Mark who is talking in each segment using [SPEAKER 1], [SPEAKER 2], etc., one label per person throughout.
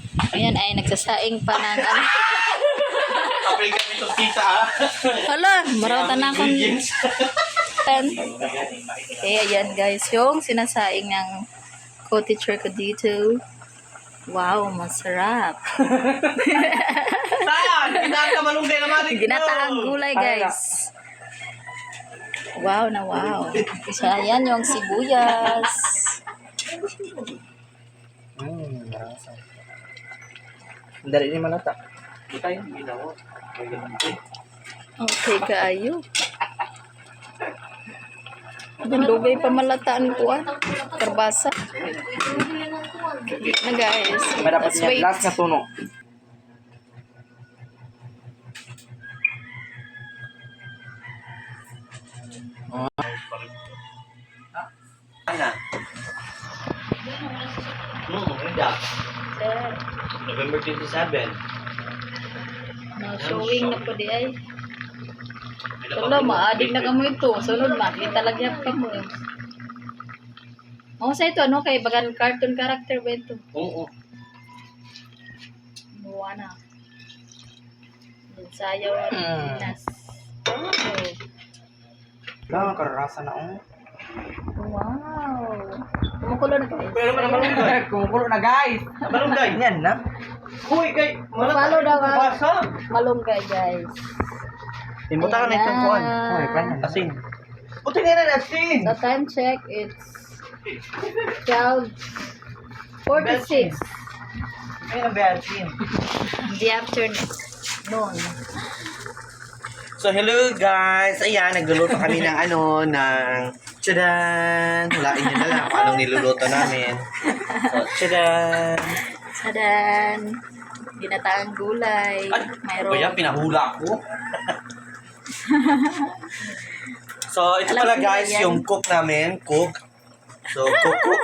[SPEAKER 1] Ayan ay nagsasaing pa ng ano.
[SPEAKER 2] Kapil kami itong kita ah.
[SPEAKER 1] Hala, marata na akong pen. Okay, ayan guys, yung sinasaing ng co-teacher ko dito. Wow, masarap.
[SPEAKER 2] Saan? Ginaan ka malunggay naman.
[SPEAKER 1] Ginataang gulay guys. Wow na wow. So, ayan yung sibuyas.
[SPEAKER 3] Marasa. Dari ni malata.
[SPEAKER 2] Buta yung ginawa.
[SPEAKER 1] Okay, kaayo. Dugay pa malataan ko ah. Karbasa. Na guys.
[SPEAKER 3] Dapat
[SPEAKER 1] Let's
[SPEAKER 3] niya
[SPEAKER 1] wait.
[SPEAKER 3] last na tuno.
[SPEAKER 2] Ano? Hindi. November 27.
[SPEAKER 1] No, showing na po di ay. Wala, maadik na kamo ito. Sunod makita lagyan ka mo. Oh, sa ito, ano? Kay bagan cartoon character ba ito?
[SPEAKER 2] Oo.
[SPEAKER 1] Moana. Sayaw at Pinas. Oh.
[SPEAKER 3] Lang karasa na
[SPEAKER 1] Wow. Kumukulo na guys.
[SPEAKER 2] Pero naman malunggay.
[SPEAKER 3] Kumukulo na guys.
[SPEAKER 2] Malunggay.
[SPEAKER 3] Yan na.
[SPEAKER 2] Uy, kay.
[SPEAKER 1] Follow daw ah.
[SPEAKER 2] Basa.
[SPEAKER 1] Malunggay guys.
[SPEAKER 3] Imuta ka na itong kuhan. Hoy, paano?
[SPEAKER 2] Asin. Buti nga na asin.
[SPEAKER 1] So time check, it's 12:46
[SPEAKER 2] Ayun ang asin.
[SPEAKER 1] in the afternoon.
[SPEAKER 2] So, hello guys. Ayan, nagluluto kami ng ng tchadan. Hulain nyo na lang kung anong niluluto namin. So, tchadan.
[SPEAKER 1] Sadan. Ginataang gulay.
[SPEAKER 2] O yan, pinahula ko. So, ito
[SPEAKER 1] Alam
[SPEAKER 2] pala
[SPEAKER 1] ko
[SPEAKER 2] guys,
[SPEAKER 1] yan.
[SPEAKER 2] yung cook namin. Cook. So, cook.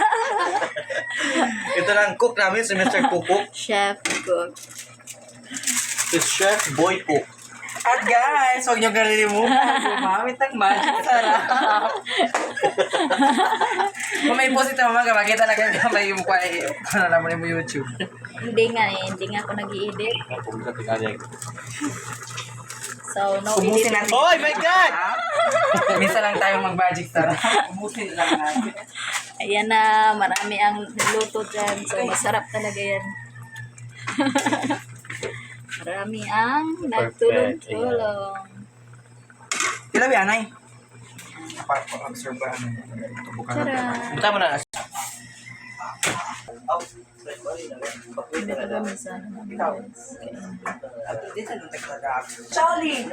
[SPEAKER 2] Ito lang cook namin, si Mr. Cook.
[SPEAKER 1] Chef cook.
[SPEAKER 2] Si Chef Boy Cook.
[SPEAKER 3] At guys, huwag nyo kalilimutan. Gumamit ng magic sarap. Kung may post ito mga makita na kayo may mukha eh. Ano naman mo YouTube.
[SPEAKER 1] Hindi nga ako nag-i-edit. So, no
[SPEAKER 3] Ubusin
[SPEAKER 1] editing.
[SPEAKER 3] natin.
[SPEAKER 2] Oh my God!
[SPEAKER 3] Minsan lang tayo mag-magic sarap. Ubusin lang natin.
[SPEAKER 1] Ayan na, marami ang niluto dyan. So, masarap talaga yan. Marami ang nagtulong-tulong.
[SPEAKER 3] Kila ba yanay? Observe ba?
[SPEAKER 1] Tara!
[SPEAKER 2] Punta mo na.
[SPEAKER 1] Hindi ko gamit sa ano namin, guys.
[SPEAKER 3] Charlie!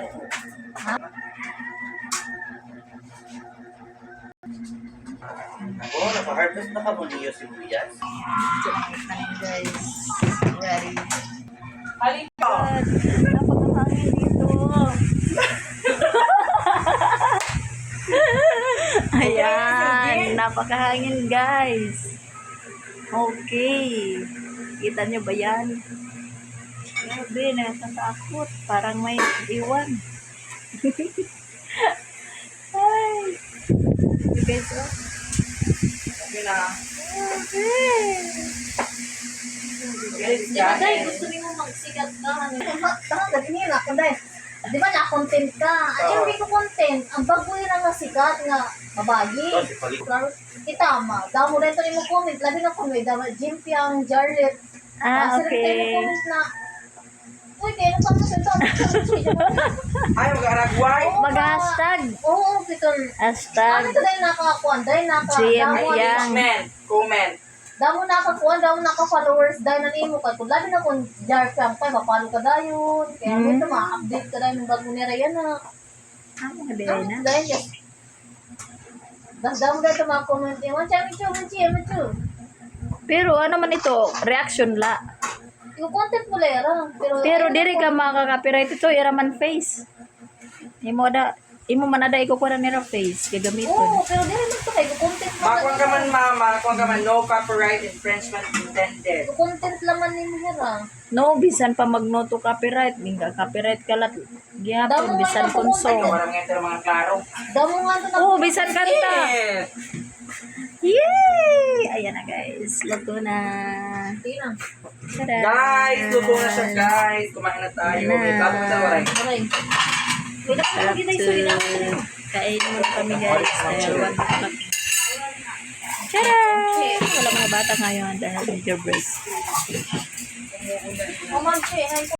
[SPEAKER 2] Oh, napa-harvest na ka mo niyo si Buyas.
[SPEAKER 1] Ito na yung tanim, guys. Ready.
[SPEAKER 3] Halika!
[SPEAKER 1] God, napakahangin dito. Ayan, napakahangin guys. Okay. Kita nyo ba yan? Grabe, natatakot. Parang may iwan. Ay. You guys, oh.
[SPEAKER 3] Okay na.
[SPEAKER 1] Okay. Day, gusto niyo magsikat ka.
[SPEAKER 4] Tanga, ganyan na ako, Day. Di ba na-content ka? Ano yung ko content? Ang bago yun ang nasikat nga mabagi.
[SPEAKER 2] Oh, si Palik.
[SPEAKER 4] Klaro, kita ma. Damo rin ito mo comment. Labi na comment. Damo, Jimpiang, Jarlet.
[SPEAKER 1] Ah,
[SPEAKER 4] Kasi rin tayo
[SPEAKER 1] okay.
[SPEAKER 4] comment na, uy, kaya nung kami sa ito.
[SPEAKER 3] Ay, mag-aragway!
[SPEAKER 1] Mag-hashtag.
[SPEAKER 4] Oo, Peter.
[SPEAKER 1] Hashtag.
[SPEAKER 4] Ano ito dahil nakakuan? Dahil
[SPEAKER 1] GM
[SPEAKER 4] damo,
[SPEAKER 1] yan.
[SPEAKER 3] Comment!
[SPEAKER 4] damo nakakuan, damo naka-followers. Dahil nanimo ka. Kung labi na kung jar ka, kaya mapalo ka dayon. Kaya ito ma-update ka dahil ng bago nila yan na.
[SPEAKER 1] Ah, mga na.
[SPEAKER 4] Dahil yes. Damo dahil ito mga comment. Manchu.
[SPEAKER 1] Pero ano man ito, reaction la.
[SPEAKER 4] Yung content mo lera.
[SPEAKER 1] Pero diri ka makaka-copyright ito, iraman face. Imo man ada ikukuha na nila face, gagamiton.
[SPEAKER 4] Oo, pero di rin ito kayo. Content mo.
[SPEAKER 3] Makuha ka man mama, makuha ka man no copyright infringement intended.
[SPEAKER 4] Content laman ni Mihira.
[SPEAKER 1] No, bisan pa mag-no to copyright, ginga copyright ka lat. Gihapon,
[SPEAKER 4] Damo
[SPEAKER 1] bisan
[SPEAKER 4] nga
[SPEAKER 1] konsong.
[SPEAKER 3] Walang nga ito mga klaro.
[SPEAKER 4] Damo nga ito na.
[SPEAKER 1] Oh, bisan kanta.
[SPEAKER 3] Yes!
[SPEAKER 1] Yay! Ayan na guys, luto na.
[SPEAKER 4] Hindi na.
[SPEAKER 1] Tada!
[SPEAKER 3] Guys, luto na siya guys. Kumain na tayo. May bago na tayo, Waray.
[SPEAKER 4] Aray. Wala ka
[SPEAKER 1] Sarap
[SPEAKER 4] lagi na
[SPEAKER 1] to.
[SPEAKER 4] isuwi na.
[SPEAKER 1] Kain mo kami guys. Dahil wag mak. Tada! Wala mga bata ngayon dahil major break.
[SPEAKER 4] Oman, che.